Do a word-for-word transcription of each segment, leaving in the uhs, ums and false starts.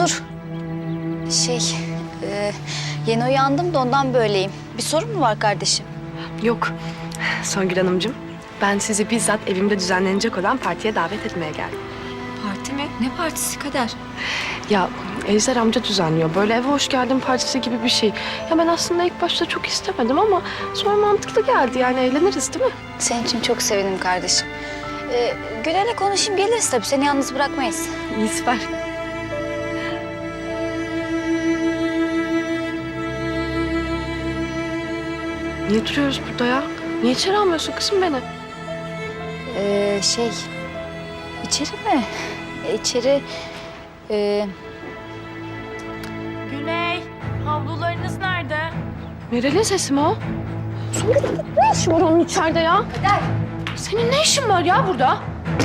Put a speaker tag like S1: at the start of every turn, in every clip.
S1: dur. Şey, e, yeni uyandım da ondan böyleyim. Bir sorun mu var kardeşim?
S2: Yok Songül Hanımcığım. Ben sizi bizzat evimde düzenlenecek olan partiye davet etmeye geldim.
S1: Parti mi? Ne partisi Kader?
S2: Ya Ejder amca düzenliyor. Böyle eve hoş geldin partisi gibi bir şey. Ya ben aslında ilk başta çok istemedim ama sonra mantıklı geldi. Yani eğleniriz değil mi?
S1: Senin için çok sevindim kardeşim. Ee, Gülen'le konuşayım geliriz tabii. Seni yalnız bırakmayız.
S2: İyi, süper. Niye duruyoruz burada ya? Niye içeri almıyorsun kızım beni?
S1: Ee, şey, içeri mi? E, içeri... E,
S3: Güney, havlularınız nerede?
S2: Meral'in sesi mi o? Songül ne işin var onun içeride ya?
S1: Kader.
S2: Senin ne işin var ya burada?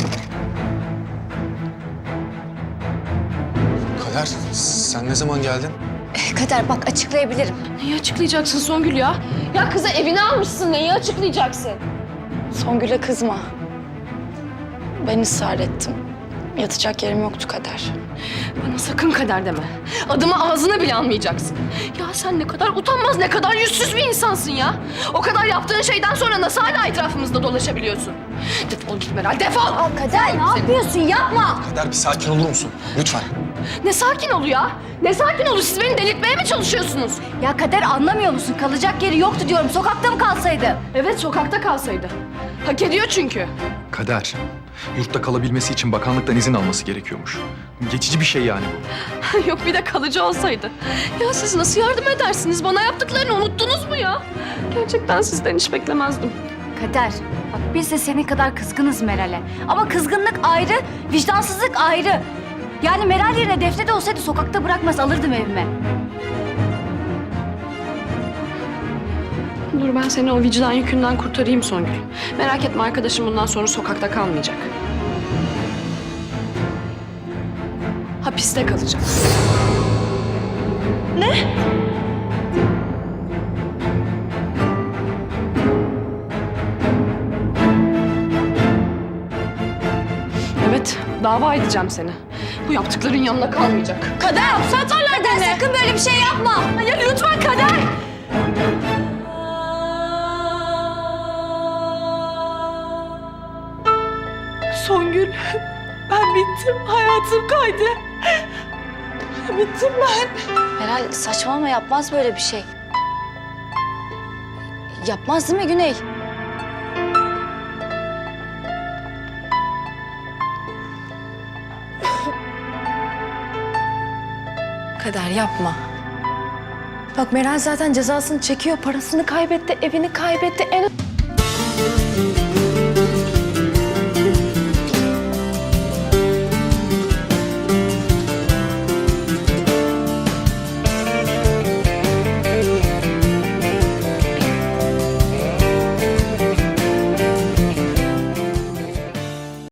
S4: Kader, sen ne zaman geldin?
S1: Kader bak açıklayabilirim.
S2: Neyi açıklayacaksın Songül ya? Ya kızı evine almışsın, neyi açıklayacaksın?
S1: Songül'e kızma. Ben ısrar ettim. Yatacak yerim yoktu Kader.
S2: Bana sakın kader deme. Adımı ağzına bile almayacaksın. Ya sen ne kadar utanmaz, ne kadar yüzsüz bir insansın ya. O kadar yaptığın şeyden sonra nasıl hala etrafımızda dolaşabiliyorsun? Defol git Meral, defol!
S1: Aa, Kader ne yapıyorsun? Yapma!
S4: Kader bir sakin olur musun? Lütfen.
S2: Ne sakin ol ya? Ne sakin ol? Siz beni delirtmeye mi çalışıyorsunuz?
S1: Ya Kader anlamıyor musun? Kalacak yeri yoktu diyorum. Sokakta mı kalsaydı?
S2: Evet, sokakta kalsaydı. Hak ediyor çünkü.
S4: Kader, yurtta kalabilmesi için bakanlıktan izin alması gerekiyormuş. Geçici bir şey yani bu.
S2: Yok bir de kalıcı olsaydı. Ya siz nasıl yardım edersiniz? Bana yaptıklarını unuttunuz mu ya? Gerçekten sizden hiç beklemezdim.
S1: Kader, bak biz de senin kadar kızgınız Meral'e. Ama kızgınlık ayrı, vicdansızlık ayrı. Yani Meral yerine Defne de olsaydı sokakta bırakmaz, alırdım evime.
S2: Dur ben seni o vicdan yükünden kurtarayım Songül. Merak etme arkadaşım bundan sonra sokakta kalmayacak. Hapiste kalacak. Ne? Evet, dava edeceğim seni. Bu yaptıkların yanına kalmayacak.
S1: Kader, hapse atarlar Kader, sakın böyle bir şey yapma.
S2: Ya lütfen Kader! Songül, ben bittim. Hayatım kaydı. Bittim ben.
S1: Meral saçmalama, yapmaz böyle bir şey. Yapmaz değil mi Güney?
S5: Kader yapma. Bak Meral zaten cezasını çekiyor. Parasını kaybetti, evini kaybetti. En